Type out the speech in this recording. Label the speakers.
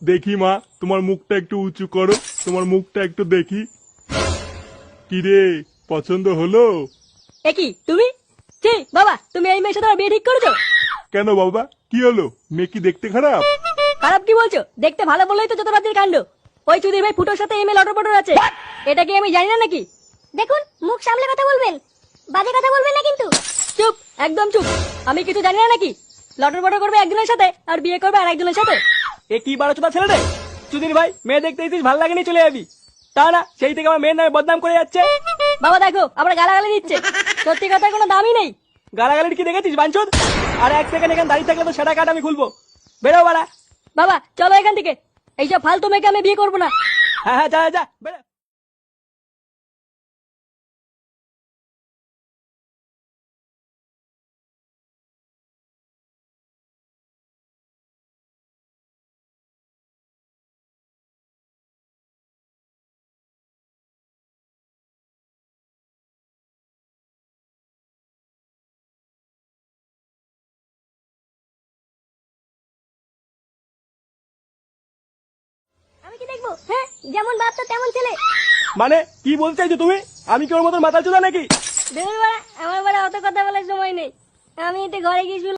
Speaker 1: দেখি মা, তোমার মুখটা একটু উঁচু করো, তোমার মুখটা একটু দেখি। কিরে, পছন্দ হলো?
Speaker 2: কি তুমি? ছি বাবা, তুমি এই মেয়ের সাথে আমার বিয়ে ঠিক করেছো?
Speaker 1: কেন বাবা, কি হলো? মেয়ে কি দেখতে খারাপ?
Speaker 2: খারাপ কি বলছো? দেখতে ভালো বললেই তো যত রাতের কাণ্ড। ওই চুদির ভাই ফুটোর সাথে এমএ লটর পটর আছে, এটা কি আমি জানি না নাকি?
Speaker 3: দেখুন, মুখ সামলে কথা বলবেন, বাজে কথা বলবেন না কিন্তু।
Speaker 2: চুপ, একদম চুপ। আমি কিছু জানি না নাকি? লটর পটর করবে একজনের সাথে আর বিয়ে করবে আর একজনের সাথে।
Speaker 4: এ কি বারো চোদা ছেলে রে! চুদির ভাই, মেয়ে দেখতে দিতিস ভালো লাগেনি চলে যাবি, তা না সেই থেকে আমার মেয়ের নামে বদনাম করে যাচ্ছে।
Speaker 2: বাবা দেখো, আবার গালাগালি দিচ্ছে। সত্যি কথার কোনো দামই নেই।
Speaker 4: গালাগালির কি দেখেছিস বাঞ্চোদ? আর এক সেকেন্ড এখানে দাঁড়িয়ে থাকলে তো সেটা কাট আমি খুলবো। বেরো বাড়া।
Speaker 2: বাবা চলো এখান থেকে, এইসব ফালতু মেয়েকে আমি বিয়ে করবো না।
Speaker 4: হ্যাঁ হ্যাঁ, যা যা বেরো।
Speaker 3: আমি কি দেখবো? হ্যাঁ, যেমন বাপ তো তেমন ছেলে।
Speaker 4: মানে কি বলতে চাইছো তুমি? আমি কি ওর মতন মাথা চোদা নাকি?
Speaker 2: দেখুন বাড়া, আমার বাড়া অত কথা বলার সময় নেই। আমি একটু ঘরে গিয়ে শুনলাম।